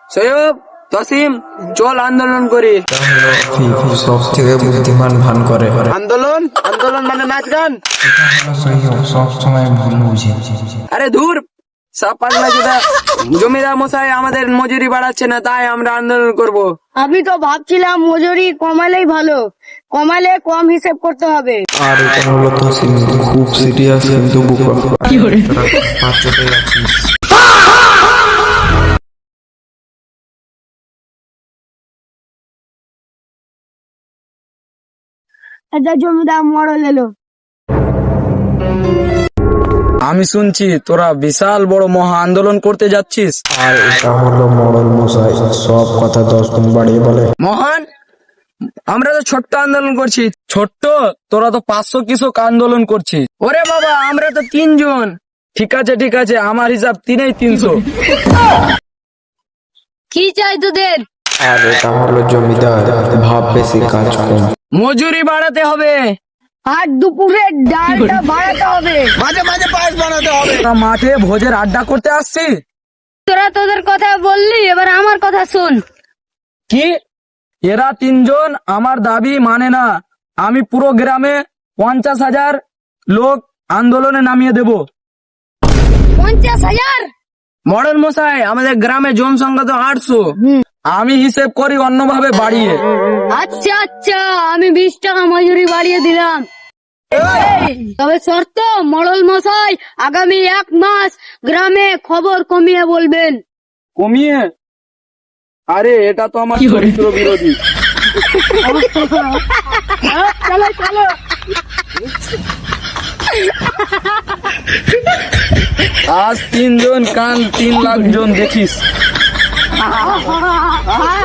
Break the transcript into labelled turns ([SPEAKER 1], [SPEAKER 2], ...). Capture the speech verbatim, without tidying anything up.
[SPEAKER 1] সৈয়ব, তসিম, চল আন্দোলন করি।
[SPEAKER 2] সব থেকে বুদ্ধিমান ভান করে
[SPEAKER 1] আন্দোলন আন্দোলন মানে নাচ গান?
[SPEAKER 2] সব সময় ভুল বুঝে।
[SPEAKER 1] আরে ধুর, সব পাগলা যেটা। জমিদার মশাই আমাদের মজুরি বাড়াচ্ছে না, তাই আমরা আন্দোলন করব।
[SPEAKER 3] আমি তো ভাবছিলাম মজুরি কমালেই ভালো, কমালে কম হিসেব করতে হবে।
[SPEAKER 2] আর এটা হলো তো খুব সিরিয়াস কিন্তু বোকা। কি করে পাঁচ চোখে আছিস?
[SPEAKER 3] এটা জমিদার মরল এলো।
[SPEAKER 1] আমি শুনছি তোরা বিশাল বড় মহা আন্দোলন করতে যাচ্ছিস।
[SPEAKER 2] আর এটা হলো মডল মশাই, সব কথা দশ গুণ বাড়িয়ে বলে।
[SPEAKER 1] মহান, আমরা তো ছোট্ট আন্দোলন করছি। ছোট্ট? তোরা তো পাঁচশো কৃষক আন্দোলন করছিস। ওরে বাবা, আমরা তো তিনজন। ঠিক আছে ঠিক আছে, আমার হিসাব তিনেই তিনশো।
[SPEAKER 3] কি চাই তোদের?
[SPEAKER 2] আর এটা হলো জমিদার, ভাব বেশি কাজ কম।
[SPEAKER 1] মজুরি বাড়াতে হবে,
[SPEAKER 3] আর দুপুরে ডালটা বাড়াতে হবে।
[SPEAKER 1] মাঝে মাঝে পায়েস বানাতে হবে। মাঠে ভোজের আড্ডা করতে আসছি।
[SPEAKER 3] তোরা তোদের কথা বললি, এবার আমার কথা শুন।
[SPEAKER 1] কি? এরা তিনজন আমার দাবি মানে না। আমি পুরো গ্রামে পঞ্চাশ হাজার লোক আন্দোলনে নামিয়ে দেব।
[SPEAKER 3] পঞ্চাশ হাজার?
[SPEAKER 1] মডেল মশাই, আমাদের গ্রামে জনসংখ্যা তো আটশো। আমি হিসেব করি অন্যভাবে বাড়িয়ে।
[SPEAKER 3] আচ্ছা আচ্ছা, আমি বিশ টাকা মজুরি বাড়িয়ে দিলাম। তবে শর্ত, মডল মশাই আগামী এক মাস গ্রামে খবর কমিয়ে বলবেন।
[SPEAKER 1] কমিয়ে? আরে এটা তো আমার চরিত্র বিরোধী।
[SPEAKER 3] চলো চলো।
[SPEAKER 1] আজ তিনজন কাল তিন লাখ জন দেখিস।